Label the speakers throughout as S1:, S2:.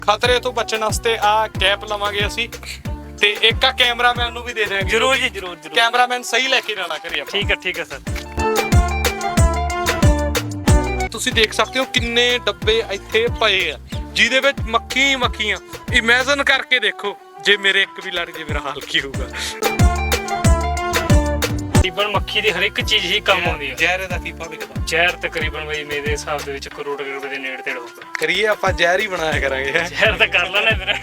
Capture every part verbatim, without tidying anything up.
S1: ਖਤਰੇ ਤੋਂ ਬਚਣ ਵਾਸਤੇ ਆ ਕੈਪ ਲਵਾਂਗੇ ਅਸੀਂ ਤੇ ਇੱਕ ਆ ਕੈਮਰਾਮੈਨ ਨੂੰ ਵੀ ਦੇ ਦੇਵਾਂਗੇ।
S2: ਜਰੂਰ ਜੀ ਜਰੂਰ ਜਰੂਰ।
S1: ਕੈਮਰਾਮੈਨ ਸਹੀ ਲੈ ਕੇ ਜਾਣਾ ਕਰੀ ਆਪਾਂ।
S2: ਠੀਕ ਹੈ ਠੀਕ ਹੈ ਸਰ।
S1: ਤੁਸੀਂ ਦੇਖ ਸਕਦੇ ਹੋ ਕਿੰਨੇ ਡੱਬੇ ਇੱਥੇ ਪਏ ਆ ਜਿਹਦੇ ਵਿੱਚ ਮੱਖੀ ਮੱਖੀਆਂ। ਇਮੇਜਿਨ ਕਰਕੇ ਦੇਖੋ ਜੇ ਮੇਰੇ ਇੱਕ ਵੀ ਲੜ ਜੇ ਮੇਰਾ ਹਾਲ ਕੀ ਹੋਊਗਾ।
S2: ਤਕਰੀਬਨ ਮੱਖੀ ਦੀ ਹਰ ਇੱਕ ਚੀਜ਼ ਹੀ ਕੰਮ ਆਉਂਦੀ ਹੈ।
S1: ਜ਼ਹਿਰ ਦਾ ਕੀ ਵਿਕਦਾ?
S2: ਜ਼ਹਿਰ ਤਕਰੀਬਨ ਬਈ ਮੇਰੇ ਹਿਸਾਬ ਦੇ ਵਿੱਚ ਕਰੋੜ ਰੁਪਏ ਦੇ ਨੇੜੇ ਤੇੜ ਹੋਊਗਾ।
S1: ਕਰੀਏ ਆਪਾਂ ਜ਼ਹਿਰ ਹੀ ਬਣਾਇਆ ਕਰਾਂਗੇ।
S2: ਜ਼ਹਿਰ ਤਾਂ ਕਰ ਲੈਣਾ ਵੀਰੇ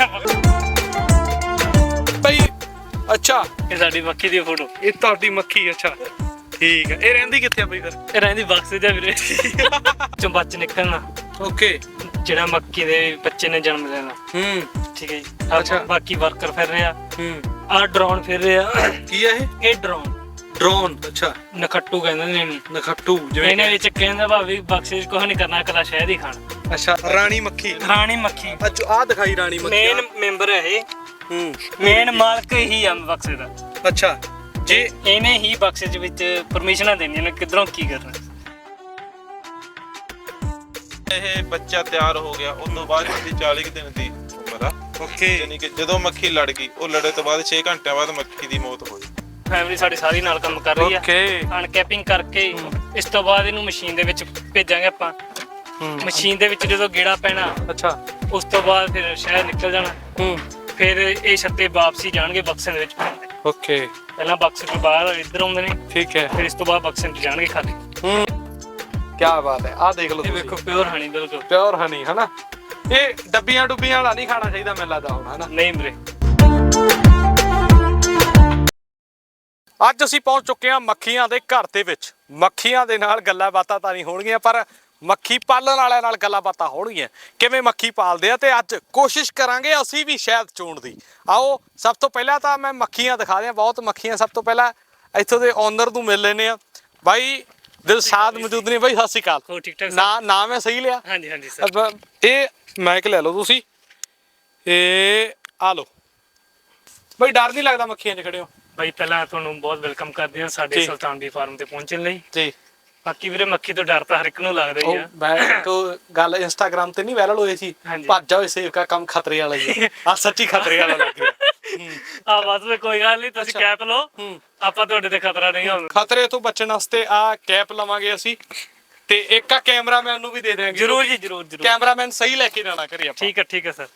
S1: ਭਾਈ। ਅੱਛਾ
S2: ਇਹ ਸਾਡੀ ਮੱਖੀ ਦੀ ਫੋਟੋ।
S1: ਇਹ ਤੁਹਾਡੀ ਮੱਖੀ? ਅੱਛਾ ਠੀਕ ਹੈ। ਇਹ ਰਹਿੰਦੀ ਕਿੱਥੇ ਆ ਬਈ ਫਿਰ?
S2: ਇਹ ਰਹਿੰਦੀ ਬਕਸ ਜਾ ਵੀਰੇ ਚੋਂ ਬੱਚ ਨਿਕਲਣਾ।
S1: ਓਕੇ।
S2: ਜਿਹੜਾ ਮੱਖੀ ਦੇ ਬੱਚੇ ਨੇ ਜਨਮ ਲੈਣਾ।
S1: ਹੂੰ
S2: ਠੀਕ ਹੈ ਜੀ। ਅੱਛਾ ਬਾਕੀ ਵਰਕਰ ਫਿਰ ਰਿਹਾ।
S1: ਹੂੰ
S2: ਆ ਡਰੋਨ ਫਿਰ ਰਿਹਾ।
S1: ਕੀ ਆ ਇਹ?
S2: ਇਹ ਡਰੋਨ
S1: ਡਰੋਨ। ਅੱਛਾ
S2: ਨਖੱਟੂ ਕਹਿੰਦੇ ਨੇ ਇਹਨੂੰ।
S1: ਨਖੱਟੂ ਜਿਵੇਂ
S2: ਇਹਨੇ ਵਿੱਚ ਕਹਿੰਦਾ ਭਾਵੇਂ ਬਕਸੇ 'ਚ ਕੁਝ ਨਹੀਂ ਕਰਨਾ, ਇਕੱਲਾ ਸ਼ਹਿਦ ਹੀ ਖਾਣਾ।
S1: ਅੱਛਾ ਰਾਣੀ ਮੱਖੀ।
S2: ਰਾਣੀ ਮੱਖੀ
S1: ਅੱਛਾ ਆ ਦਿਖਾਈ ਰਾਣੀ ਮੱਖੀ।
S2: ਮੇਨ ਮੈਂਬਰ ਹੈ ਇਹ।
S1: ਹੂੰ
S2: ਮੇਨ ਮਾਲਕ ਹੀ ਆ ਬਕਸੇ ਦਾ।
S1: ਅੱਛਾ ਜੇ
S2: ਇਹਨੇ ਹੀ ਬਕਸੇ ਦੇ ਵਿੱਚ ਪਰਮਿਸ਼ਨਾਂ ਦੇਣੀਆਂ ਨੇ ਕਿਧਰੋਂ ਕੀ ਕਰਨਾ।
S3: ਇਹ ਬੱਚਾ ਤਿਆਰ ਹੋ ਗਿਆ ਉਸ ਤੋਂ ਬਾਅਦ ਇਹਦੀ ਚਾਲੀ ਕੁ ਦਿਨ ਦੀ ਉਮਰ ਆ।
S1: ਓਕੇ।
S3: ਯਾਨੀ ਕਿ ਜਦੋਂ ਮੱਖੀ ਲੜ ਗਈ ਉਹ ਲੜੇ ਤੋਂ ਬਾਅਦ ਛੇ ਘੰਟਿਆਂ ਬਾਅਦ ਮੱਖੀ ਦੀ ਮੌਤ ਹੋਈ।
S2: ਫੈਮਿਲੀ ਸਾਡੀ ਸਾਰੀ ਨਾਲ ਕੰਮ ਕਰ ਰਹੀ ਆ।
S1: ਓਕੇ।
S2: ਅਨਕੈਪਿੰਗ ਕਰਕੇ ਇਸ ਤੋਂ ਬਾਅਦ ਇਹਨੂੰ ਮਸ਼ੀਨ ਦੇ ਵਿੱਚ ਭੇਜਾਂਗੇ ਆਪਾਂ।
S1: ਹੂੰ
S2: ਮਸ਼ੀਨ ਦੇ ਵਿੱਚ ਜਦੋਂ ਗੇੜਾ ਪੈਣਾ
S1: ਅੱਛਾ
S2: ਉਸ ਤੋਂ ਬਾਅਦ ਫਿਰ ਸ਼ਹਿਦ ਨਿਕਲ ਜਾਣਾ।
S1: ਹੂੰ
S2: ਫਿਰ ਇਹ ਛੱਤੇ ਵਾਪਸੀ ਜਾਣਗੇ ਬਕਸੇ ਦੇ ਵਿੱਚ।
S1: ਓਕੇ
S2: ਪਹਿਲਾਂ ਬਕਸੇ ਤੋਂ ਬਾਹਰ ਇੱਧਰ ਆਉਂਦੇ ਨੇ,
S1: ਠੀਕ ਹੈ।
S2: ਫਿਰ ਇਸ ਤੋਂ ਬਾਅਦ ਬਕਸੇ ਵਿੱਚ ਜਾਣਗੇ ਖਾਲੀ।
S1: ਹੂੰ ਕੀ ਬਾਤ ਹੈ। ਆਹ ਦੇਖ ਲਓ
S2: ਇਹ ਵੇਖੋ ਪਿਓਰ ਹਨੀ ਬਿਲਕੁਲ
S1: ਪਿਓਰ ਹਨੀ ਹਨਾ। ਇਹ ਡੱਬੀਆਂ ਡੁੱਬੀਆਂ ਵਾਲਾ ਨਹੀਂ ਖਾਣਾ ਚਾਹੀਦਾ ਮੈਨੂੰ ਲੱਗਦਾ ਹੁਣ ਹਨਾ।
S2: ਨਹੀਂ ਵੀਰੇ।
S1: ਅੱਜ ਅਸੀਂ ਪਹੁੰਚ ਚੁੱਕੇ ਹਾਂ ਮੱਖੀਆਂ ਦੇ ਘਰ ਦੇ ਵਿੱਚ। ਮੱਖੀਆਂ ਦੇ ਨਾਲ ਗੱਲਾਂ ਬਾਤਾਂ ਤਾਂ ਨਹੀਂ ਹੋਣਗੀਆਂ ਪਰ ਮੱਖੀ ਪਾਲਣ ਵਾਲਿਆਂ ਨਾਲ ਗੱਲਾਂ ਬਾਤਾਂ ਹੋਣਗੀਆਂ ਕਿਵੇਂ ਮੱਖੀ ਪਾਲਦੇ ਆ। ਤੇ ਅੱਜ ਕੋਸ਼ਿਸ਼ ਕਰਾਂਗੇ ਅਸੀਂ ਵੀ ਸ਼ਹਿਦ ਚੋਣ ਦੀ। ਆਓ ਸਭ ਤੋਂ ਪਹਿਲਾਂ ਤਾਂ ਮੈਂ ਮੱਖੀਆਂ ਦਿਖਾ ਦਿਆਂ। ਬਹੁਤ ਮੱਖੀਆਂ। ਸਭ ਤੋਂ ਪਹਿਲਾਂ ਇੱਥੋਂ ਦੇ ਓਨਰ ਨੂੰ ਮਿਲ ਲੈਨੇ ਆ। ਬਾਈ ਦਿਲਸ਼ਾਦ ਮੌਜੂਦ ਨੇ। ਬਾਈ ਸਤਿ ਸ਼੍ਰੀ ਅਕਾਲ।
S2: ਹੋ ਠੀਕ ਠਾਕ
S1: ਨਾ ਨਾਮ ਹੈ ਸਹੀ ਲਿਆ?
S2: ਹਾਂਜੀ ਹਾਂਜੀ ਸਰ।
S1: ਅੱਛਾ ਇਹ ਮਾਈਕ ਲੈ ਲਓ ਤੁਸੀਂ। ਇਹ ਆ ਲਓ ਬਾਈ। ਡਰ ਨਹੀਂ ਲੱਗਦਾ ਮੱਖੀਆਂ 'ਚ ਖੜੇ ਹੋ?
S2: ਬਾਈ ਪਹਿਲਾਂ ਤੁਹਾਨੂੰ ਬਹੁਤ ਵੈਲਕਮ ਕਰਦੇ ਹਾਂ ਸਾਡੇ ਸੁਲਤਾਨ ਦੀ ਫਾਰਮ ਤੇ ਪਹੁੰਚਣ ਲਈ ਜੀ। ਬਾਕੀ ਵੀਰੇ ਮੱਖੀ ਤੋਂ ਡਰ ਤਾਂ ਹਰ ਇੱਕ ਨੂੰ ਲੱਗਦਾ ਹੀ ਆ।
S1: ਮੈਂ ਕੋ ਗੱਲ ਇੰਸਟਾਗ੍ਰਾਮ ਤੇ ਨਹੀਂ ਵਾਇਰਲ ਹੋਈ ਸੀ ਭੱਜ ਜਾਓ ਸੇਵ ਕਾ ਕੰਮ ਖਤਰੇ ਵਾਲਾ ਹੀ ਹੈ। ਆ ਸੱਚੀ ਖਤਰੇ ਵਾਲਾ ਲੱਗ ਰਿਹਾ।
S2: ਆ ਬਸ ਵੀ ਕੋਈ ਗੱਲ ਨਹੀਂ ਤੁਸੀਂ ਕੈਪ ਲਓ। ਆਪਾਂ ਤੁਹਾਡੇ ਤੇ ਖਤਰਾ ਨਹੀਂ ਹੋਊਗਾ।
S1: ਖਤਰੇ ਤੋਂ ਬਚਣ ਵਾਸਤੇ ਆ ਕੈਪ ਲਵਾਂਗੇ ਅਸੀਂ ਤੇ ਇੱਕ ਆ ਕੈਮਰਾਮੈਨ ਨੂੰ ਵੀ ਦੇ ਦੇਵਾਂਗੇ।
S2: ਜਰੂਰ ਜੀ ਜਰੂਰ ਜਰੂਰ।
S1: ਕੈਮਰਾਮੈਨ ਸਹੀ ਲੈ ਕੇ ਜਾਣਾ ਕਰੀ ਆਪਾਂ।
S2: ਠੀਕ ਹੈ ਠੀਕ ਹੈ ਸਰ।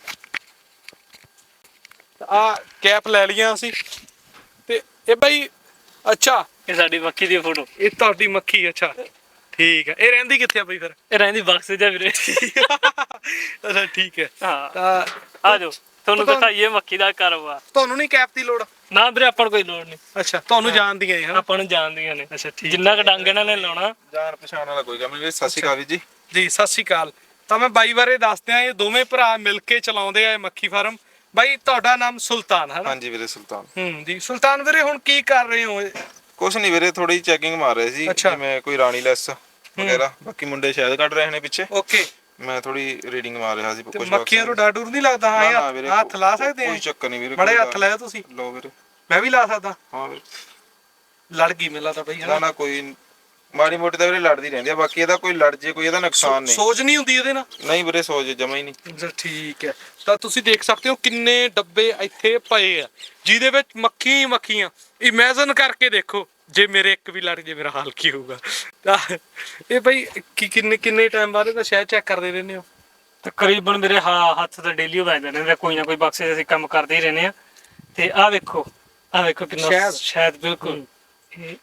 S1: ਆ ਕੈਪ ਲੈ ਲਈਆਂ ਅਸੀਂ ਤੇ ਇਹ ਬਾਈ। ਅੱਛਾ
S2: ਇਹ ਸਾਡੀ ਮੱਖੀ ਦੀ ਫੋਟੋ।
S1: ਇਹ ਤੁਹਾਡੀ ਮੱਖੀ? ਅੱਛਾ ਠੀਕ ਹੈ। ਇਹ ਰਹਿੰਦੀ ਕਿੱਥੇ ਆ ਬਈ ਫਿਰ?
S2: ਇਹ ਰਹਿੰਦੀ ਬਕਸੇ ਜਾ ਵੀਰੇ।
S1: ਅੱਛਾ ਠੀਕ ਹੈ।
S2: ਹਾਂ
S1: ਤਾਂ
S2: ਆ ਜਾਓ ਤੁਹਾਨੂੰ ਦਿਖਾਈਏ ਮੱਖੀ ਦਾ ਕਾਰੋਬਾਰ।
S1: ਤੁਹਾਨੂੰ ਨਹੀਂ ਕੈਪ ਦੀ ਲੋੜ?
S2: ਨਾ ਵੀਰੇ ਆਪਾਂ ਨੂੰ ਕੋਈ ਲੋੜ ਨਹੀਂ।
S1: ਅੱਛਾ ਤੁਹਾਨੂੰ ਜਾਣਦੀਆਂ ਹੈ?
S2: ਆਪਾਂ ਨੂੰ ਜਾਣਦੀਆਂ ਨੇ।
S1: ਅੱਛਾ ਠੀਕ।
S2: ਜਿੰਨਾ ਕ ਡੰਗ ਇਹਨਾਂ ਨੇ ਲਾਉਣਾ
S3: ਜਾਣ ਪਛਾਣ ਵਾਲਾ ਕੋਈ ਕੰਮ ਨਹੀਂ। ਸਤਿ ਸ਼੍ਰੀ ਅਕਾਲ ਜੀ।
S1: ਜੀ ਸਤਿ ਸ਼੍ਰੀ ਅਕਾਲ। ਤਾਂ ਮੈਂ ਬਾਈ ਬਾਰੇ ਦੱਸਦਿਆਂ ਇਹ ਦੋਵੇਂ ਭਰਾ ਮਿਲ ਕੇ ਚਲਾਉਂਦੇ ਆ ਇਹ ਮੱਖੀ ਫਾਰਮ। ਬਾਈ ਤੁਹਾਡਾ ਨਾਮ ਸੁਲਤਾਨ ਹੈ ਨਾ?
S3: ਹਾਂਜੀ ਵੀਰੇ ਸੁਲਤਾਨ।
S1: ਹੂੰ ਜੀ ਸੁਲਤਾਨ ਵੀਰੇ ਹੁਣ ਕੀ ਕਰ ਰਹੇ ਹੋ?
S3: ਕੁਛ ਨਹੀਂ ਵੀਰੇ ਥੋੜੀ ਚੈਕਿੰਗ ਮਾਰ ਰਹੇ ਸੀ ਜਿਵੇਂ ਕੋਈ ਰਾਣੀ ਲੈਸ ਵਗੈਰਾ। ਬਾਕੀ ਮੁੰਡੇ ਸ਼ਾਇਦ ਕੱਢ ਰਹੇ ਨੇ ਪਿੱਛੇ।
S1: ਓਕੇ।
S3: ਮੈਂ ਥੋੜੀ ਰੀਡਿੰਗ ਮਾਰ ਰਿਹਾ ਸੀ ਕੁਝ।
S1: ਮੱਖੀਆਂ ਨੂੰ ਡਰ ਡੂਰ ਨਹੀਂ ਲੱਗਦਾ? ਹਾਂ ਹੱਥ ਲਾ ਸਕਦੇ ਆ?
S3: ਕੋਈ ਚੱਕਰ ਨਹੀਂ ਵੀਰੇ।
S1: ਬੜੇ ਹੱਥ ਲਾਇਆ ਤੁਸੀਂ?
S3: ਲਓ ਵੀਰੇ।
S1: ਮੈਂ ਵੀ ਲਾ ਸਕਦਾ?
S3: ਹਾਂ ਵੀਰੇ।
S1: ਲੜ ਗਈ ਮੈਨੂੰ ਲੱਗਦਾ ਬਈ।
S3: ਨਾ ਨਾ ਕੋਈ ਮਾੜੀ ਮੋਟੀ ਤਾਂ ਵੀਰੇ ਲੜਦੀ ਰਹਿੰਦੀ ਆ। ਬਾਕੀ ਇਹਦਾ ਕੋਈ ਲੜ ਜੇ ਕੋਈ ਇਹਦਾ ਨੁਕਸਾਨ ਨਹੀਂ।
S1: ਸੋਜ ਨਹੀਂ ਹੁੰਦੀ ਇਹਦੇ ਨਾਲ?
S3: ਨਹੀਂ ਵੀਰੇ ਸੋਜ ਜਮਾ ਹੀ ਨਹੀਂ।
S1: ਠੀਕ ਹੈ। ਤਾਂ ਤੁਸੀਂ ਦੇਖ ਸਕਦੇ ਹੋ ਕਿੰਨੇ ਡੱਬੇ ਇੱਥੇ ਪਏ ਆ ਜਿਹਦੇ ਵਿੱਚ ਮੱਖੀ ਮੱਖੀਆਂ। ਇਮੇਜਿਨ ਕਰਕੇ ਦੇਖੋ ਜੇ ਮੇਰੇ ਇੱਕ ਵੀ ਲੜ ਜੇ ਮੇਰਾ ਹਾਲ ਕੀ ਹੋਊਗਾ। ਤਾਂ ਇਹ ਬਈ ਕੀ ਕਿੰਨੇ ਕਿੰਨੇ ਟਾਈਮ ਬਾਅਦ ਇਹਦਾ ਸ਼ਹਿਦ ਚੈੱਕ ਕਰਦੇ ਰਹਿੰਦੇ ਹੋ?
S2: ਤਕਰੀਬਨ ਮੇਰੇ ਹੱਥ ਤੇ ਡੇਲੀ ਵੱਜਦੇ ਨੇ। ਕੋਈ ਨਾ ਕੋਈ ਬਕਸੇ 'ਚ ਅਸੀਂ ਕੰਮ ਕਰਦੇ ਹੀ ਰਹਿੰਦੇ ਆ। ਤੇ ਆਹ ਵੇਖੋ ਆਹ ਵੇਖੋ ਕਿੰਨਾ ਸ਼ਹਿਦ। ਬਿਲਕੁਲ ਇਹ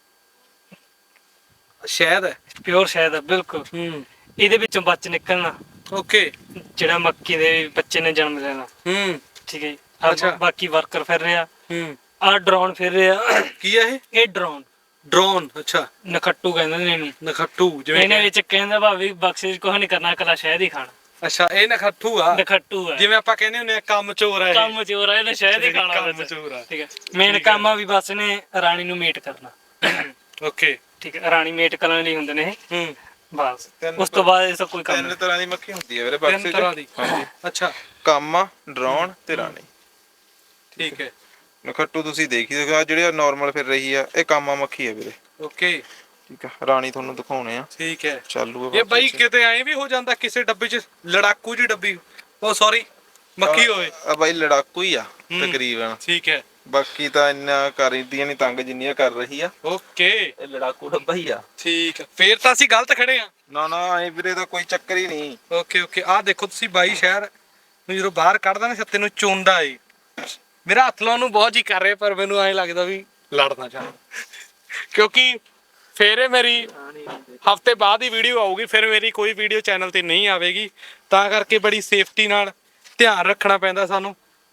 S2: ਸ਼ਹਿਦ ਹੈ। ਪਿਓਰ ਸ਼ਹਿਦ ਹੈ ਬਿਲਕੁਲ। ਹੂੰ ਇਹਦੇ ਵਿੱਚੋਂ ਬੱਚ ਨਿਕਲਣਾ। ਓਕੇ। ਜਿਹੜਾ ਮੱਕੀ ਦੇ ਬੱਚੇ ਨੇ ਜਨਮ ਲੈਣਾ। ਹੂੰ ਠੀਕ ਹੈ ਜੀ। ਅੱਛਾ ਬਾਕੀ ਵਰਕਰ ਫਿਰ ਰਿਹਾ। ਹੂੰ ਆ ਡਰੋਨ ਫਿਰ ਰਿਹਾ। ਕੀ ਹੈ ਇਹ? ਇਹ ਡਰੋਨ। ਡਰੋਨ। ਅੱਛਾ ਨਖੱਟੂ ਕਹਿੰਦੇ ਨੇ ਇਹਨੂੰ। ਨਖੱਟੂ ਜਿਵੇਂ ਇਹਨੇ ਵਿੱਚ ਕਹਿੰਦਾ ਭਾਵੇਂ ਬਕਸੇ 'ਚ ਕੁਝ ਨਹੀਂ ਕਰਨਾ, ਇਕੱਲਾ ਸ਼ਹਿਦ ਹੀ ਖਾਣਾ। ਅੱਛਾ ਇਹ ਨਖੱਟੂ ਆ? ਨਖੱਟੂ ਆ ਜਿਵੇਂ ਆਪਾਂ ਕਹਿੰਦੇ ਹੁੰਦੇ ਆ ਕੰਮ ਚੋਰ ਆ। ਕੰਮ ਚੋਰ ਆ ਇਹਨੇ ਸ਼ਹਿਦ ਹੀ ਖਾਣਾ। ਕੰਮ ਚੋਰ ਆ। ਠੀਕ ਹੈ। ਮੇਨ ਕੰਮ ਆ ਵੀ ਬਸ ਨੇ ਰਾਣੀ ਨੂੰ ਮੀਟ ਕਰਨਾ। ਓਕੇ ਠੀਕ ਹੈ। ਰਾਣੀ ਮੇਟ ਕਰਨ ਲਈ ਹੁੰਦੇ ਨੇ ਇਹ। ਹੂੰ ਬਸ ਉਸ ਤੋਂ ਬਾਅਦ ਇਸ ਕੋਈ ਕੰਮ।
S3: ਤਿੰਨ ਤਰ੍ਹਾਂ ਦੀ ਮੱਖੀ ਹੁੰਦੀ ਹੈ ਵੀਰੇ ਬਕਸੇ 'ਚ।
S2: ਤਿੰਨ ਤਰ੍ਹਾਂ ਦੀ?
S3: ਹਾਂਜੀ।
S1: ਅੱਛਾ
S3: ਕਾਮਾ, ਡਰੋਨ ਤੇ ਰਾਣੀ।
S1: ਠੀਕ ਹੈ।
S3: ਨਖੱਟੂ ਤੁਸੀਂ ਦੇਖੀ ਦੇਖੋ ਜਿਹੜੇ ਨਾਰਮਲ ਫਿਰ ਰਹੀ ਆ ਇਹ ਕਾਮਾ ਮੱਖੀ ਹੈ ਵੀਰੇ।
S1: ਓਕੇ
S3: ਠੀਕ ਆ। ਰਾਣੀ ਤੁਹਾਨੂੰ ਦਿਖਾਉਣੇ ਆ।
S1: ਠੀਕ ਹੈ।
S3: ਚਾਲੂ
S1: ਇਹ ਬਾਈ ਕਿਤੇ ਐਂ ਵੀ ਹੋ ਜਾਂਦਾ ਕਿਸੇ ਡੱਬੇ 'ਚ ਲੜਾਕੂ ਜੀ ਡੱਬੀ। ਉਹ ਸੌਰੀ ਮੱਖੀ ਹੋਵੇ
S3: ਆ ਬਾਈ ਲੜਾਕੂ ਹੀ ਆ ਤਕਰੀਬਨ।
S1: ਠੀਕ ਹੈ,
S3: ਬਾਕੀ ਤਾਂ ਇੰਨਾ ਕਰਦੀਆਂ ਨਹੀਂ ਤੰਗ ਜਿੰਨੀਆਂ ਕਰ ਰਹੀ ਆ।
S1: ਓਕੇ,
S3: ਇਹ ਲੜਾਕੂ ਡੱਬਾ ਹੀ ਆ।
S1: ਠੀਕ ਹੈ, ਫੇਰ ਤਾਂ ਅਸੀਂ ਗਲਤ ਖੜੇ ਆ।
S3: ਨਾ ਨਾ ਐ ਵੀਰੇ ਦਾ ਕੋਈ ਚੱਕਰ ਹੀ ਨਹੀਂ।
S1: ਓਕੇ ਓਕੇ, ਆਹ ਦੇਖੋ ਤੁਸੀਂ ਬਾਈ ਸ਼ਹਿਰ ਨੂੰ ਜਦੋਂ ਬਾਹਰ ਕੱਢਦਾ ਨਾ ਛੱਤੇ ਨੂੰ ਚੋਂਦਾ ਏ। ਮੇਰਾ ਹੱਥ ਲਾਉਣ ਨੂੰ ਬਹੁਤ ਜੀ ਕਰ ਰਿਹਾ, ਪਰ ਮੈਨੂੰ ਐਂ ਲੱਗਦਾ ਵੀ ਲੜਨਾ ਚਾਹੁੰਦਾ, ਕਿਉਂਕਿ ਫੇਰ ਇਹ ਮੇਰੀ ਹਫਤੇ ਬਾਅਦ ਹੀ ਵੀਡੀਓ ਆਊਗੀ, ਫਿਰ ਮੇਰੀ ਕੋਈ ਵੀਡੀਓ ਚੈਨਲ ਤੇ ਨਹੀਂ ਆਵੇਗੀ, ਤਾਂ ਕਰਕੇ ਬੜੀ ਸੇਫਟੀ ਨਾਲ ਧਿਆਨ ਰੱਖਣਾ ਪੈਂਦਾ ਸਾਨੂੰ।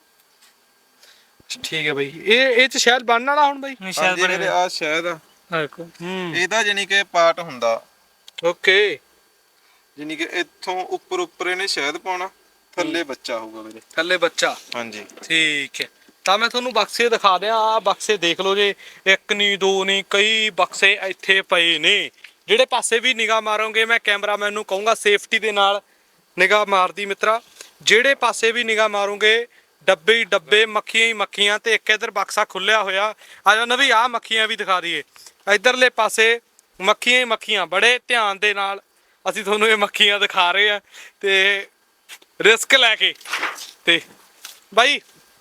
S1: ਠੀਕ ਹੈ ਬਈ, ਇਹ ਇਹ ਚ ਸ਼ਾਇਦ ਬਣਨ ਵਾਲਾ ਹੁਣ ਬਈ।
S2: ਸ਼ਾਇਦ ਬਣੇ
S3: ਵੀਰੇ ਆ ਸ਼ਾਇਦ ਆ
S2: ਦੇਖੋ।
S1: ਹੂੰ,
S3: ਇਹਦਾ ਜਾਨੀ ਕਿ ਪਾਰਟ ਹੁੰਦਾ।
S1: ਓਕੇ,
S3: ਜਾਨੀ ਕਿ ਇੱਥੋਂ ਉੱਪਰ ਉੱਪਰ ਇਹਨੇ ਸ਼ਾਇਦ ਪਾਉਣਾ, ਥੱਲੇ ਬੱਚਾ ਹੋਊਗਾ ਵੀਰੇ।
S1: ਥੱਲੇ ਬੱਚਾ,
S3: ਹਾਂਜੀ
S1: ਠੀਕ ਹੈ। ਤਾਂ ਮੈਂ ਤੁਹਾਨੂੰ ਬਕਸੇ ਦਿਖਾ ਦਿਆਂ, ਆਹ ਬਕਸੇ ਦੇਖ ਲਓ ਜੇ, ਇੱਕ ਨਹੀਂ ਦੋ ਨਹੀਂ ਕਈ ਬਕਸੇ ਇੱਥੇ ਪਏ ਨੇ। ਜਿਹੜੇ ਪਾਸੇ ਵੀ ਨਿਗਾਹ ਮਾਰੋਗੇ, ਮੈਂ ਕੈਮਰਾਮੈਨ ਨੂੰ ਕਹੂੰਗਾ ਸੇਫਟੀ ਦੇ ਨਾਲ ਨਿਗਾਹ ਮਾਰਦੀ ਮਿੱਤਰਾ। ਜਿਹੜੇ ਪਾਸੇ ਵੀ ਨਿਗਾਹ ਮਾਰੋਗੇ ਡੱਬੇ ਹੀ ਡੱਬੇ, ਮੱਖੀਆਂ ਹੀ ਮੱਖੀਆਂ, ਤੇ ਇੱਕ ਇੱਧਰ ਬਕਸਾ ਖੁੱਲਿਆ ਹੋਇਆ। ਆ ਜਾ ਨਵੀਂ, ਆਹ ਮੱਖੀਆਂ ਵੀ ਦਿਖਾ ਦਈਏ। ਇੱਧਰਲੇ ਪਾਸੇ ਮੱਖੀਆਂ ਹੀ ਮੱਖੀਆਂ, ਬੜੇ ਧਿਆਨ ਦੇ ਨਾਲ ਅਸੀਂ ਤੁਹਾਨੂੰ ਇਹ ਮੱਖੀਆਂ ਦਿਖਾ ਰਹੇ ਆ ਤੇ ਰਿਸਕ ਲੈ ਕੇ। ਤੇ ਬਾਈ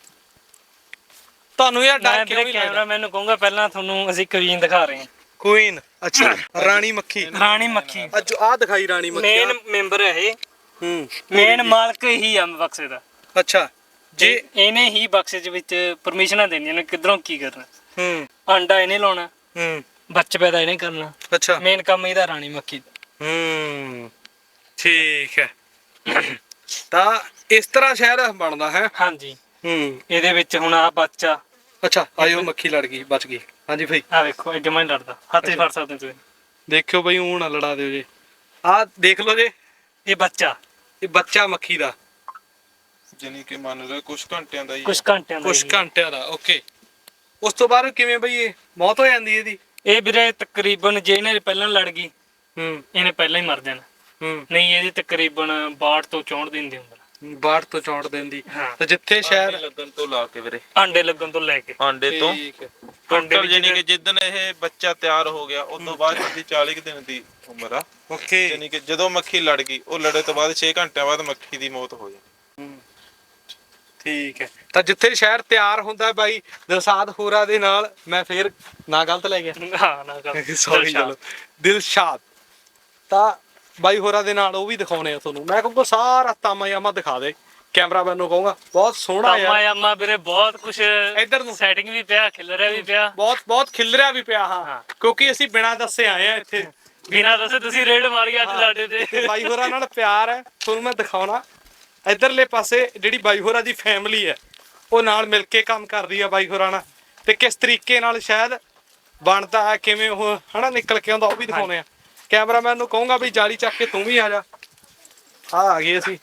S1: ਤੁਹਾਨੂੰ ਯਾਰ ਡਰ
S2: ਮੈਂ
S1: ਕਿਉਂ
S2: ਵੀਰੇ
S1: ਨਹੀਂ ਲੱਗਦਾ?
S2: ਕੈਮਰਾਮੈਨ ਨੂੰ ਕਹੂੰਗਾ ਪਹਿਲਾਂ ਤੁਹਾਨੂੰ ਅਸੀਂ ਕੁਈਨ ਦਿਖਾ ਰਹੇ ਹਾਂ।
S1: ਕੁਈਨ, ਅੱਛਾ, ਰਾਣੀ ਮੱਖੀ।
S2: ਰਾਣੀ ਮੱਖੀ
S1: ਅੱਜ ਆਹ ਦਿਖਾਈ ਰਾਣੀ ਮੱਖੀ।
S2: ਮੇਨ ਮੈਂਬਰ ਹੈ ਇਹ,
S1: ਹੂੰ,
S2: ਮੇਨ ਮਾਲਕ ਹੀ ਆ ਬਕਸੇ ਦਾ।
S1: ਅੱਛਾ
S2: ਜੇ
S1: ਜੀ,
S2: ਇਹਨੇ ਹੀ ਬਕਸੇ ਦੇ ਵਿੱਚ ਪਰਮਿਸ਼ਨਾਂ ਦੇਣੀਆਂ ਨੇ ਕਿਧਰੋਂ ਕੀ ਕਰਨਾ।
S1: ਹੂੰ
S2: ਆਂਡਾ ਇਹਨੇ ਲਾਉਣਾ,
S1: ਹੂੰ,
S2: ਬੱਚੇ ਪੈਦਾ ਇਹਨੇ ਕਰਨਾ।
S1: ਅੱਛਾ,
S2: ਮੇਨ ਕੰਮ ਇਹਦਾ ਰਾਣੀ ਮੱਖੀ ਦਾ।
S1: ਹੂੰ, ਠੀਕ ਹੈ। ਤਾਂ ਇਸ ਤਰ੍ਹਾਂ ਸ਼ਹਿਰ ਬਣਦਾ ਹੈ।
S2: ਹਾਂਜੀ,
S1: ਹੂੰ,
S2: ਇਹਦੇ ਵਿੱਚ ਹੁਣ ਆ ਬੱਚਾ,
S1: ਅੱਛਾ, ਆਇਓ ਮੱਖੀ ਲੜ ਗਈ, ਬਚ ਗਈ। ਹਾਂਜੀ ਭਾਈ,
S2: ਆ ਵੇਖੋ ਇਹ ਜਮਾ ਨਹੀਂ ਲੜਦਾ, ਹੱਥ 'ਚ ਫੜ ਸਕਦੇ ਤੁਸੀਂ।
S1: ਦੇਖਿਓ ਬਈ, ਊਂ ਨਾ ਲੜਾ ਦਿਓ ਜੇ। ਆਹ ਦੇਖ ਲਓ ਜੇ,
S2: ਇਹ ਬੱਚਾ
S1: ਇਹ ਬੱਚਾ ਮੱਖੀ ਦਾ
S3: ਜਾਨੀ ਕਿ ਮੰਨ ਲਓ ਕੁਝ ਘੰਟਿਆਂ ਦਾ ਹੀ
S2: ਕੁਝ ਘੰਟਿਆਂ ਦਾ
S1: ਕੁਛ
S2: ਹੀ ਹੈ।
S1: ਘੰਟਿਆਂ ਦਾ। ਓਕੇ, ਉਸ ਤੋਂ ਬਾਅਦ ਕਿਵੇਂ ਬਈ ਇਹ ਮੌਤ ਹੋ ਜਾਂਦੀ ਇਹਦੀ?
S2: ਇਹ ਵੀਰੇ ਤਕਰੀਬਨ ਜੇ ਇਹਨੇ ਪਹਿਲਾਂ ਲੜ ਗਈ
S1: ਹੂੰ
S2: ਇਹਨੇ ਪਹਿਲਾਂ ਹੀ ਮਰ ਜਾਣਾ।
S1: ਹੂੰ,
S2: ਨਹੀਂ ਇਹਦੀ ਤਕਰੀਬਨ ਬਾਹਠ ਤੋਂ ਚੌਂਹਠ ਦਿਨ ਦੀ ਉਮਰ।
S1: ਬਾੜ ਤੋਂ ਚੌਂਟ ਦਿੰਦੀ।
S2: ਹਾਂ।
S1: ਤੇ ਜਿੱਥੇ ਸ਼ਹਿਰ
S3: ਲੱਗਣ ਤੋਂ ਲਾ ਕੇ ਵੀਰੇ,
S2: ਆਂਡੇ ਲੱਗਣ ਤੋਂ ਲੈ ਕੇ
S3: ਆਂਡੇ ਤੋਂ
S1: ਠੀਕ ਹੈ,
S3: ਟੋਟਲ ਜਾਨੀ ਕਿ ਜਿੱਦਣ ਇਹ ਬੱਚਾ ਤਿਆਰ ਹੋ ਗਿਆ ਉਸ ਤੋਂ ਬਾਅਦ ਇਹਦੀ ਚਾਲੀ ਕੁ ਦਿਨ ਦੀ ਉਮਰ ਆ।
S1: ਓਕੇ,
S3: ਜਾਨੀ ਕਿ ਜਦੋਂ ਮੱਖੀ ਲੜ ਗਈ, ਉਹ ਲੜੇ ਤੋਂ ਬਾਅਦ ਛੇ ਘੰਟਿਆਂ ਬਾਅਦ ਮੱਖੀ ਦੀ ਮੌਤ ਹੋ ਜਾਣੀ।
S1: ਹੂੰ, ਠੀਕ ਹੈ। ਤਾਂ ਜਿੱਥੇ ਸ਼ਹਿਰ ਤਿਆਰ ਹੁੰਦਾ ਬਾਈ ਦਿਲਸ਼ਾਦ ਹੋਰਾਂ ਦੇ ਨਾਲ, ਮੈਂ ਫੇਰ ਨਾ ਗਲਤ ਲੈ ਗਿਆ,
S2: ਹਾਂ ਨਾ ਗੱਲ
S1: ਸੌਰੀ, ਚਲੋ ਦਿਲਸ਼ਾਦ, ਤਾਂ ਬਾਈ ਹੋਰਾਂ ਦੇ ਨਾਲ ਉਹ ਵੀ ਦਿਖਾਉਣੇ ਆ ਤੁਹਾਨੂੰ। ਮੈਂ ਕਹੂੰਗਾ ਸਾਰਾ ਤਾਮਾ ਯਾਮਾ ਦਿਖਾ ਦੇ, ਕੈਮਰਾਮੈਨ ਨੂੰ ਕਹੂੰਗਾ ਬਹੁਤ ਸੋਹਣਾ
S2: ਤਾਮਾ
S1: ਯਾਰ।
S2: ਯਾਮਾ ਵੀਰੇ ਬਹੁਤ ਕੁਝ
S1: ਇੱਧਰ ਨੂੰ
S2: ਸੈਟਿੰਗ ਵੀ ਪਿਆ, ਖਿਲਰਿਆ ਵੀ ਪਿਆ,
S1: ਬਹੁਤ ਬਹੁਤ ਖਿਲਰਿਆ ਵੀ ਪਿਆ। ਹਾਂ,
S2: ਹਾਂ।
S1: ਕਿਉਂਕਿ ਅਸੀਂ ਬਿਨਾਂ ਦੱਸੇ ਆਏ ਆ ਇੱਥੇ,
S2: ਬਿਨਾਂ ਦੱਸੇ ਤੁਸੀਂ ਰੇਡ ਮਾਰੀ ਅੱਜ ਸਾਡੇ ਤੇ।
S1: ਤੇ ਬਾਈ ਹੋਰਾਂ ਨਾਲ ਪਿਆਰ ਹੈ, ਤੁਹਾਨੂੰ ਮੈਂ ਦਿਖਾਉਣਾ। ਇੱਧਰਲੇ ਪਾਸੇ ਜਿਹੜੀ ਬਾਈ ਹੋਰਾਂ ਦੀ ਫੈਮਿਲੀ ਹੈ, ਉਹ ਨਾਲ ਮਿਲ ਕੇ ਕੰਮ ਕਰਦੀ ਆ ਬਾਈ ਹੋਰਾਂ ਨਾਲ, ਤੇ ਕਿਸ ਤਰੀਕੇ ਨਾਲ ਸ਼ਾਇਦ ਬਣਦਾ ਹੈ, ਕਿਵੇਂ ਉਹ ਹਨਾ ਨਿਕਲ ਕੇ ਆਉਂਦਾ, ਉਹ ਵੀ ਦਿਖਾਉਣੇ ਆ। ਕੈਮਰਾਮੈਨ ਨੂੰ ਕਹੂੰਗਾ ਵੀ ਜਾਲੀ ਚੱਕ ਕੇ ਤੂੰ ਵੀ ਆ ਜਾ। ਆ ਆ ਗਏ ਅਸੀਂ।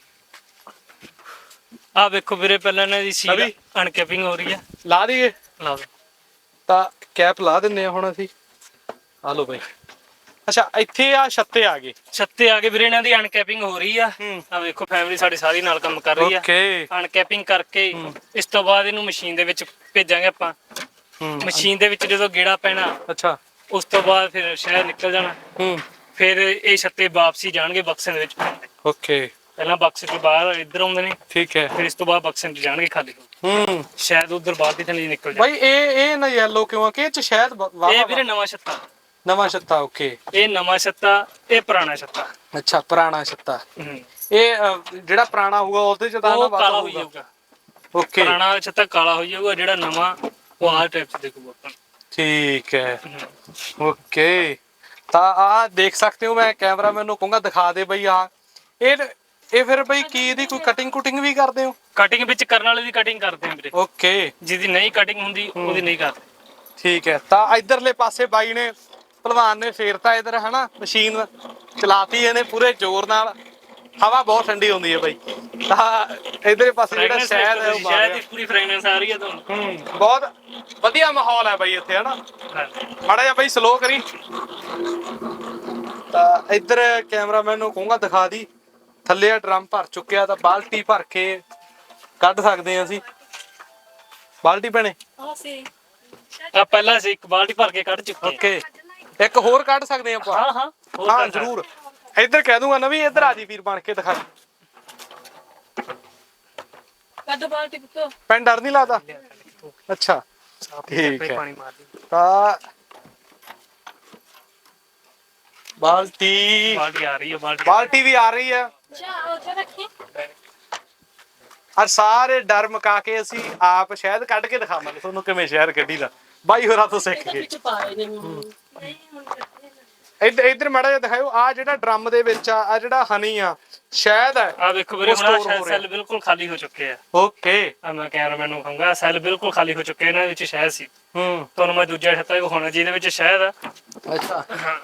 S2: ਆ ਵੇਖੋ ਵੀਰੇ ਪਹਿਲਾਂ ਇਹਨਾਂ ਦੀ ਸੀਲ
S1: ਅਭੀ?
S2: ਅਨਕੈਪਿੰਗ ਹੋ ਰਹੀ ਹੈ।
S1: ਲਾ ਦਈਏ,
S2: ਲਾ ਦੋ।
S1: ਤਾਂ ਕੈਪ ਲਾ ਦਿੰਨੇ ਆ ਹੁਣ ਅਸੀਂ। ਆ ਲੋ ਬਾਈ, ਅੱਛਾ ਇੱਥੇ ਆ ਛੱਤੇ ਆ ਗਏ।
S2: ਛੱਤੇ ਆ ਕੇ ਵੀਰੇ ਇਹਨਾਂ ਦੀ ਅਨਕੈਪਿੰਗ ਹੋ ਰਹੀ ਆ।
S1: ਹੂੰ।
S2: ਆ ਵੇਖੋ ਫੈਮਿਲੀ ਸਾਡੀ ਸਾਰੀ ਨਾਲ ਕੰਮ ਕਰ ਰਹੀ ਆ।
S1: ਓਕੇ,
S2: ਅਨਕੈਪਿੰਗ ਕਰਕੇ ਇਸ ਤੋਂ ਬਾਅਦ ਇਹਨੂੰ ਮਸ਼ੀਨ ਦੇ ਵਿੱਚ ਭੇਜਾਂਗੇ ਆਪਾਂ।
S1: ਹੂੰ,
S2: ਮਸ਼ੀਨ ਦੇ ਵਿੱਚ ਜਦੋਂ ਗੇੜਾ ਪੈਣਾ,
S1: ਅੱਛਾ,
S2: ਉਸ ਤੋਂ ਬਾਅਦ ਫਿਰ ਸ਼ਹਿਰ ਨਿਕਲ ਜਾਣਾ।
S1: ਹੂੰ,
S2: ਫਿਰ ਇਹ ਛੱਤੇ ਵਾਪਸੀ ਜਾਣਗੇ ਬਕਸੇ ਦੇ ਵਿੱਚ।
S1: ਓਕੇ,
S2: ਪਹਿਲਾਂ ਬਕਸੇ ਤੋਂ ਬਾਹਰ ਇੱਧਰ ਆਉਂਦੇ ਨੇ,
S1: ਠੀਕ ਹੈ।
S2: ਫਿਰ ਇਸ ਤੋਂ ਬਾਅਦ ਬਕਸੇ ਚ ਜਾਣਗੇ ਖਾਲੀ।
S1: ਹੂੰ,
S2: ਸ਼ਾਇਦ ਉਧਰ ਬਾਹਰ ਦੀ ਥੱਲੇ ਨਿਕਲ ਜਾਣ।
S1: ਬਾਈ ਇਹ ਇਹ ਨਾ ਯੈਲੋ ਕਿਉਂ ਆ ਕਿ ਇਹ ਚ ਸ਼ਾਇਦ ਵਾ-
S2: ਇਹ
S1: ਵਾਹਵਾ
S2: ਵੀਰੇ ਨਵਾਂ ਛੱਤਾ,
S1: ਨਵਾਂ ਛੱਤਾ। ਓਕੇ,
S2: ਇਹ ਨਵਾਂ ਛੱਤਾ, ਇਹ ਪੁਰਾਣਾ ਛੱਤਾ।
S1: ਅੱਛਾ, ਪੁਰਾਣਾ ਛੱਤਾ।
S2: ਹੂੰ।
S1: ਇਹ ਅ, ਜਿਹੜਾ ਪੁਰਾਣਾ ਹੋਊਗਾ ਉਹਦੇ ਚ ਤਾਂ ਨਾ
S2: ਉਹ
S1: ਵਾਧਾ
S2: ਕਾਲਾ ਹੋਈ
S1: ਹੋਊਗਾ।
S2: ਜਾਊਗਾ।
S1: ਓਕੇ,
S2: ਪੁਰਾਣਾ ਛੱਤਾ ਕਾਲਾ ਹੋਈ ਜਾਊਗਾ, ਜਿਹੜਾ ਨਵਾਂ ਉਹ ਆਹ ਟਾਈਪ ਚ ਦੇਖੂਗਾ ਆਪਾਂ ਨੂੰ।
S1: ਠੀਕ ਹੈ।
S2: ਹੂੰ।
S1: ਓਕੇ, ਤਾਂ ਆ ਦੇਖ ਸਕਦੇ ਹੋ, ਮੈਂ ਕੈਮਰਾਮੈਨ ਨੂੰ ਕਹੂੰਗਾ ਦਿਖਾ ਦੇ ਬਈ। ਆ ਇਹ ਇਹ ਫਿਰ ਬਈ ਕੀ ਇਹਦੀ ਕੋਈ ਕਟਿੰਗ ਕੁਟਿੰਗ ਵੀ ਕਰਦੇ ਹੋ?
S2: ਕਟਿੰਗ ਵਿੱਚ ਕਰਨ ਵਾਲੇ ਦੀ ਕਟਿੰਗ ਕਰਦੇ ਆ ਵੀਰੇ,
S1: ਓਕੇ,
S2: ਜਿਹਦੀ ਨਹੀਂ ਕਟਿੰਗ ਹੁੰਦੀ ਉਹਦੀ ਨਹੀਂ ਕਰਦੇ।
S1: ਠੀਕ ਹੈ। ਤਾਂ ਇਧਰਲੇ ਪਾਸੇ ਬਾਈ ਨੇ ਭਲਵਾਨ ਨੇ ਫੇਰਤਾ ਇਧਰ ਹਨਾ, ਮਸ਼ੀਨ ਚਲਾਤੀ ਇਹਨੇ ਪੂਰੇ ਜ਼ੋਰ ਨਾਲ। ਹਵਾ ਬਹੁਤ ਠੰਡੀ ਹੁੰਦੀ ਹੈ ਬਾਈ। ਤਾਂ ਇਧਰਲੇ ਪਾਸੇ ਜਿਹੜਾ ਸ਼ਹਿਦ ਹੈ ਉਹ ਬਾਹਰ
S2: ਸ਼ਾਇਦ
S1: ਆ।
S2: ਇਸ ਪੂਰੀ ਫ੍ਰੈਗਨੈਂਸ ਆ ਰਹੀ ਹੈ ਤੁਹਾਨੂੰ।
S1: ਹੂੰ, ਬਹੁਤ ਵਧੀਆ ਮਾਹੌਲ ਹੈ ਬਾਈ ਇੱਥੇ ਹਨਾ।
S2: ਹਾਂਜੀ।
S1: ਮਾੜਾ ਜਿਹਾ ਬਾਈ ਸਲੋ ਕਰੀ। ਤਾਂ ਇੱਧਰ ਕੈਮਰਾਮੈਨ ਨੂੰ ਕਹੂੰਗਾ ਦਿਖਾ ਦੀ। ਥੱਲੇ ਆ ਡਰਮ ਭਰ ਚੁੱਕਿਆ, ਤਾਂ ਬਾਲਟੀ ਭਰ ਕੇ ਕੱਢ ਸਕਦੇ ਆ ਅਸੀਂ। ਬਾਲਟੀ ਭੈਣੇ,
S2: ਆ ਪਹਿਲਾਂ ਸੀ ਇੱਕ ਬਾਲਟੀ ਭਰ ਕੇ ਕੱਢ ਚੁੱਕੇ।
S1: ਓਕੇ, ਇੱਕ ਹੋਰ ਕੱਢ ਸਕਦੇ ਆ ਆਪਾਂ।
S2: ਹਾਂ ਹਾਂ ਹੋਰ
S1: ਹਾਂ
S2: ਕਰ ਸਕਦੇ।
S1: ਜ਼ਰੂਰ। ਇੱਧਰ ਕਹਿ ਦੂੰਗਾ ਨਾ ਵੀ ਇੱਧਰ ਆ ਜੀ ਵੀਰ ਬਣ ਕੇ ਦਿਖਾ।
S4: ਕੱਢ ਬਾਲਟੀ ਪੁੱਤੋ।
S1: ਪੈਨ ਡਰ ਨਹੀਂ ਲੱਗਦਾ? ਅੱਛਾ ਠੀਕ ਹੈ।
S2: ਪਾਣੀ ਮਾਰ ਦੀ
S1: ਤਾਂ ਬਾਲਟੀ
S2: ਬਾਲਟੀ ਆ ਰਹੀ ਹੈ ਬਾਲਟੀ
S1: ਬਾਲਟੀ ਵੀ ਆ ਰਹੀ ਹੈ।
S4: ਜਾ ਉੱਥੇ ਰੱਖੀ।
S1: ਅੱਜ ਸਾਰੇ ਡਰ ਮੁਕਾ ਕੇ ਅਸੀਂ ਆਪ ਸ਼ਹਿਦ ਕੱਢ ਕੇ ਦਿਖਾਵਾਂਗੇ ਤੁਹਾਨੂੰ ਕਿਵੇਂ ਸ਼ਹਿਦ ਕੱਢੀ ਦਾ ਬਾਈ ਹੋਰਾਂ ਤੋਂ ਸਿੱਖ
S4: ਇਹਦੇ
S1: ਕੇ।
S4: ਵਿੱਚ ਪਾਏ ਨੇ ਹੁਣ। ਨਹੀਂ ਹੁਣ ਕੱਢੇ ਨੇ।
S1: ਇੱਧਰ ਇੱਧਰ ਮਾੜਾ ਜਿਹਾ ਦਿਖਾਓ ਆ ਜਿਹੜਾ ਡਰਮ ਦੇ ਵਿੱਚ ਆ ਆ ਜਿਹੜਾ ਹਨੀ ਆ ਸ਼ਹਿਦ ਹੈ।
S2: ਆ ਵੇਖੋ ਵੀਰੇ
S1: ਉਹ store
S2: ਹੁਣ
S1: ਹੋ ਰਿਹਾ।
S2: ਸੈੱਲ ਬਿਲਕੁਲ ਖਾਲੀ ਹੋ ਚੁੱਕੇ ਆ।
S1: ਓਕੇ
S2: ਆ ਮੈਂ ਕੈਮਰਾਮੈਨ ਨੂੰ ਕਹੂੰਗਾ ਸੈੱਲ ਬਿਲਕੁਲ ਖਾਲੀ ਹੋ ਚੁੱਕੇ ਇਹਨਾਂ ਵਿੱਚ ਸ਼ਹਿਦ ਸੀ।
S1: ਹੂੰ
S2: ਤੁਹਾਨੂੰ ਮੈਂ ਦੂਜਾ ਛੱਤਾ ਵੀ ਵਿਖਾਉਣਾ ਜਿਹਦੇ ਵਿੱਚ ਸ਼ਹਿਦ ਆ।
S1: ਅੱਛਾ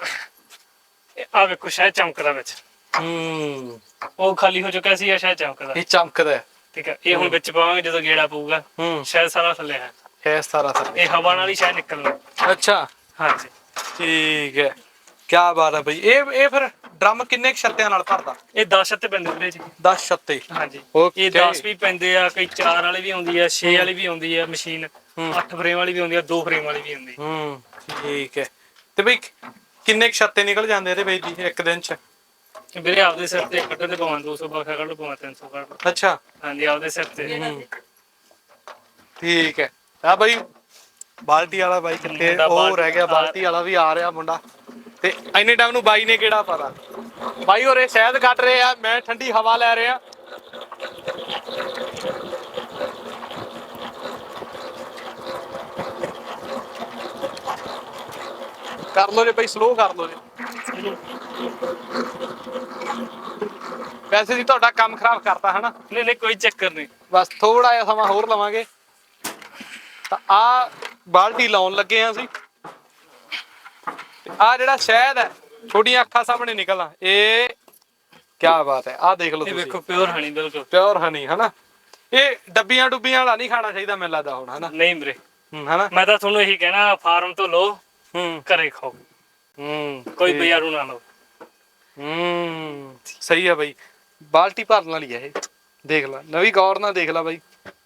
S2: ਆ ਵੇਖੋ ਸ਼ਹਿਦ ਚਮਕਦਾ ਵਿੱਚ।
S1: ਹੂੰ
S2: ਉਹ ਖਾਲੀ ਹੋ ਚੁੱਕਿਆ ਸੀ ਆ ਸ਼ਹਿਦ ਚਮਕਦਾ।
S1: ਇਹ ਚਮਕਦਾ ਹੈ।
S2: ਠੀਕ ਹੈ ਇਹ ਹੁਣ ਵਿੱਚ ਪਾਵਾਂਗੇ ਜਦੋਂ ਗੇੜਾ ਪਊਗਾ
S1: ਹੂੰ
S2: ਸ਼ਹਿਦ ਸਾਰਾ ਥੱਲੇ ਹੈ।
S1: ਹੈ ਸਾਰਾ ਥੱਲੇ।
S2: ਇਹ ਹਵਾ ਨਾਲ ਹੀ ਸ਼ਹਿਦ ਨਿਕਲਣਾ।
S1: ਅੱਛਾ
S2: ਹਾਂਜੀ
S1: ਠੀਕ ਹੈ ਕੀ ਬਾਤ ਹੈ ਬਈ। ਇਹ ਇਹ ਫਿਰ ਡਰਮ ਕਿੰਨੇ ਕੁ ਛੱਤਿਆਂ ਨਾਲ ਭਰਦਾ?
S2: ਇਹ ਦਸ ਛੱਤੇ ਪੈਂਦੇ ਵੀਰੇ ਜੀ।
S1: ਦਸ ਛੱਤੇ।
S2: ਹਾਂਜੀ
S1: Okay.
S2: ਇਹ ਦਸ ਵੀ ਪੈਂਦੇ ਆ ਕਈ ਚਾਰ ਵਾਲੀ ਵੀ ਆਉਂਦੀ ਆ ਛੇ ਵਾਲੀ ਵੀ ਆਉਂਦੀ ਆ ਮਸ਼ੀਨ ਅੱਠ ਫਰੇਮ ਵਾਲੀ ਵੀ ਆਉਂਦੀ ਆ ਦੋ ਫਰੇਮ ਵਾਲੀ ਵੀ ਆਉਂਦੀ।
S1: ਹੂੰ ਠੀਕ ਹੈ ਤੇ ਬਈ ਕਿੰਨੇ ਕੁ ਛੱਤੇ ਨਿਕਲ ਜਾਂਦੇ ਇਹਦੇ ਵਿੱਚ ਦੀ ਇੱਕ ਦਿਨ ਚ?
S2: ਵੀਰੇ ਆਪਦੇ ਸਿਰ ਤੇ ਕੱਢਣ ਤੇ ਪਵਾਂ ਦੋ ਸੌ ਬਾਖਾ ਕੱਢ ਪਵਾਂ ਤਿੰਨ ਸੌ ਕੱਢ।
S1: ਅੱਛਾ
S2: ਹਾਂਜੀ ਆਪਦੇ ਸਿਰ ਤੇ।
S1: ਠੀਕ ਹੈ ਆ ਬਈ ਬਾਲਟੀ ਵਾਲਾ ਬਾਈ ਕਿੱਥੇ?
S2: ਮੁੰਡਾ
S1: ਉਹ
S2: ਬਾਲਟੀ
S1: ਰਹਿ ਗਿਆ ਬਾਲਟੀ ਵਾਲਾ ਵੀ ਆ ਰਿਹਾ ਮੁੰਡਾ ਤੇ ਇੰਨੇ ਟਾਈਮ ਨੂੰ ਬਾਈ ਨੇ ਕਿਹੜਾ ਪਤਾ ਬਾਈ ਹੋਰੇ ਸ਼ਹਿਦ ਕੱਢ ਰਹੇ ਆ ਮੈਂ ਠੰਡੀ ਹਵਾ ਲੈ ਰਿਹਾ। ਕਰ ਲੋ ਜੇ ਬਾਈ ਸਲੋ ਕਰ ਲੋ ਜੇ ਵੈਸੇ ਜੀ ਤੁਹਾਡਾ ਕੰਮ ਖਰਾਬ ਕਰਤਾ ਹਨਾ।
S2: ਨਹੀਂ ਨਹੀਂ ਕੋਈ ਚੱਕਰ ਨਹੀਂ।
S1: ਬਸ ਥੋੜਾ ਜਿਹਾ ਸਮਾਂ ਹੋਰ ਲਵਾਂਗੇ ਤਾਂ ਆ ਬਾਲਟੀ ਲਾਉਣ ਲੱਗੇ ਆ ਅਸੀਂ ਤੇ ਆ ਜਿਹੜਾ ਸ਼ਹਿਦ ਹੈ ਛੋਟੀਆਂ ਅੱਖਾਂ ਸਾਹਮਣੇ ਨਿਕਲਣਾ ਇਹ ਕੀ ਬਾਤ ਹੈ। ਆ ਦੇਖ ਲਓ
S2: ਇਹ
S1: ਤੁਸੀਂ
S2: ਵੇਖੋ ਪਿਓਰ ਹਣੀ ਬਿਲਕੁਲ।
S1: ਪਿਓਰ ਹਨੀ ਹਨਾ। ਇਹ ਡੱਬੀਆਂ ਡੁੱਬੀਆਂ ਵਾਲਾ ਨਹੀਂ ਖਾਣਾ ਚਾਹੀਦਾ ਮੈਨੂੰ ਲੱਗਦਾ ਹੁਣ ਹਨਾ।
S2: ਨਹੀਂ ਵੀਰੇ
S1: ਹੂੰ ਹਨਾ।
S2: ਮੈਂ ਤਾਂ ਤੁਹਾਨੂੰ ਇਹੀ ਕਹਿਣਾ ਫਾਰਮ ਤੋਂ ਲਓ
S1: ਹੂੰ
S2: ਘਰੇ ਖਾਓ
S1: ਹੂੰ
S2: ਕੋਈ ਬਾਜ਼ਾਰੂ ਨਾ ਲਓ।
S1: ਹੂੰ ਸਹੀ ਆ ਬਾਈ ਬਾਲਟੀ ਭਰਨ ਵਾਲੀ ਹੈ ਇਹ ਦੇਖ ਲੈ ਨਵੀਂ ਗੌਰ ਨਾਲ ਦੇਖ ਲੈ ਬਾਈ।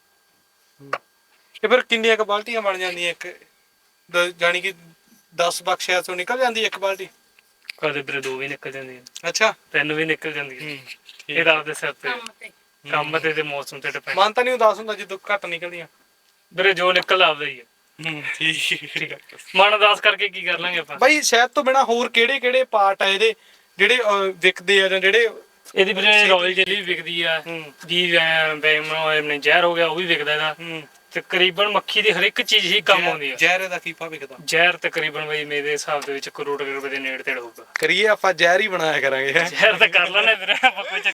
S1: ਇਹ ਫਿਰ ਕਿੰਨੀਆਂ ਕ ਬਾਲਟੀਆਂ ਬਣ ਜਾਂਦੀਆਂ ਇੱਕ ਦ- ਜਾਣੀ ਕਿ ਦਸ ਬਕਸਿਆਂ ਤੋਂ ਨਿਕਲ ਜਾਂਦੀ ਇੱਕ ਬਾਲਟੀ?
S2: ਕਦੇ ਵੀਰੇ ਦੋ ਵੀ ਨਿਕਲ ਜਾਂਦੀਆਂ
S1: ਅੱਛਾ
S2: ਤਿੰਨ ਵੀ ਨਿਕਲ ਜਾਂਦੀਆਂ।
S1: ਹੂੰ
S2: ਇਹ ਤਾਂ ਆਪਦੇ ਸਿਰ ਤੇ
S4: ਕੰਮ ਤੇ।
S2: ਕੰਮ ਤੇ ਤੇ ਮੌਸਮ ਤੇ ਡਿਪੈਂਡ।
S1: ਮਨ ਤਾਂ ਨਹੀਂ ਉਦਾਸ ਹੁੰਦਾ ਜਦੋਂ ਘੱਟ ਨਿਕਲਦੀਆਂ।
S2: ਵੀਰੇ ਜੋ ਨਿਕਲ ਆਪਦਾ ਹੀ ਹੈ।
S1: ਹੂੰ ਠੀਕ ਹੈ
S2: ਮਨ ਉਦਾਸ ਕਰਕੇ ਕੀ ਕਰ ਲਾਂਗੇ ਆਪਾਂ।
S1: ਬਾਈ ਸ਼ਹਿਦ ਤੋਂ ਬਿਨਾ ਹੋਰ ਕਿਹੜੇ ਕਿਹੜੇ ਪਾਰਟ ਆ ਇਹਦੇ ਜਿਹੜੇ ਅਹ, ਵਿਕਦੇ ਆ ਜਾਂ ਜਿਹੜੇ?
S2: ਇਹਦੀ ਵੀਰੇ ਰਾਇਲ ਜੈਲੀ ਵੀ ਵਿਕਦੀ ਆ
S1: ਹੂੰ
S2: ਜੀ ਬੈਮ ਨੇ ਜ਼ਹਿਰ ਹੋ ਗਿਆ ਉਹ ਵੀ ਵਿਕਦਾ ਇਹਦਾ।
S1: ਹੂੰ
S2: ਤਕਰੀਬਨ ਮੱਖੀ ਦੀ ਹਰ ਇੱਕ ਚੀਜ਼ ਹੀ ਕੰਮ ਆਉਂਦੀ ਆ।
S1: ਜ਼ਹਿਰ ਦਾ ਕੀ ਭਾਅ ਵਿਕਦਾ?
S2: ਜ਼ਹਿਰ ਤਕਰੀਬਨ ਬਈ ਮੇਰੇ ਹਿਸਾਬ ਦੇ ਵਿੱਚ ਕਰੋੜ ਰੁਪਏ ਦੇ ਨੇੜੇ ਤੇੜ ਹੋਊਗਾ।
S1: ਕਰੀਏ ਆਪਾਂ ਜ਼ਹਿਰ ਹੀ ਬਣਾਇਆ ਕਰਾਂਗੇ ਹੈਂ।
S2: ਜ਼ਹਿਰ ਤਾਂ ਕਰ ਲੈਣੇ ਵੀਰੇ ਆਪਾਂ ਕੋਈ ਚੱਕਰ